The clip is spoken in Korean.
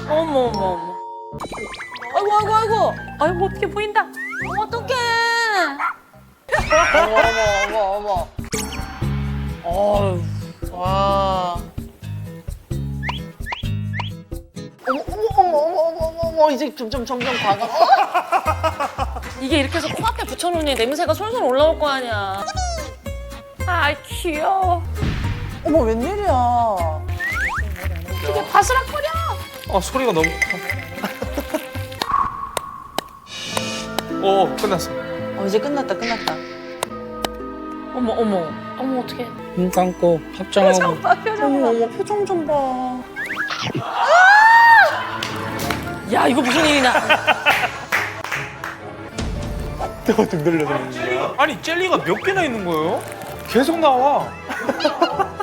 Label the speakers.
Speaker 1: 어머 어머 어머. 아이고 아이고 아이고. 아이고 어떻게 보인다. 어떡해.
Speaker 2: 어머 어머 어머 어머.
Speaker 1: 어휴.
Speaker 2: 와. 어머 이제 점점 과감.
Speaker 1: 이게 이렇게 해서 코앞에 붙여놓으니 냄새가 솔솔 올라올 거 아니야. 아 귀여워.
Speaker 2: 어머 웬일이야.
Speaker 1: 이게 바스락거려.
Speaker 3: 아 소리가 너무 오 끝났어.
Speaker 2: 이제 끝났다.
Speaker 1: 어머 어머. 어머 어떡해.
Speaker 3: 눈 감고 합장하고.
Speaker 2: 어머 표정 좀 봐.
Speaker 1: 야 이거 무슨 일이냐.
Speaker 3: 등 들려서 먹는 거야? 아니 젤리가 몇 개나 있는 거예요? 계속 나와.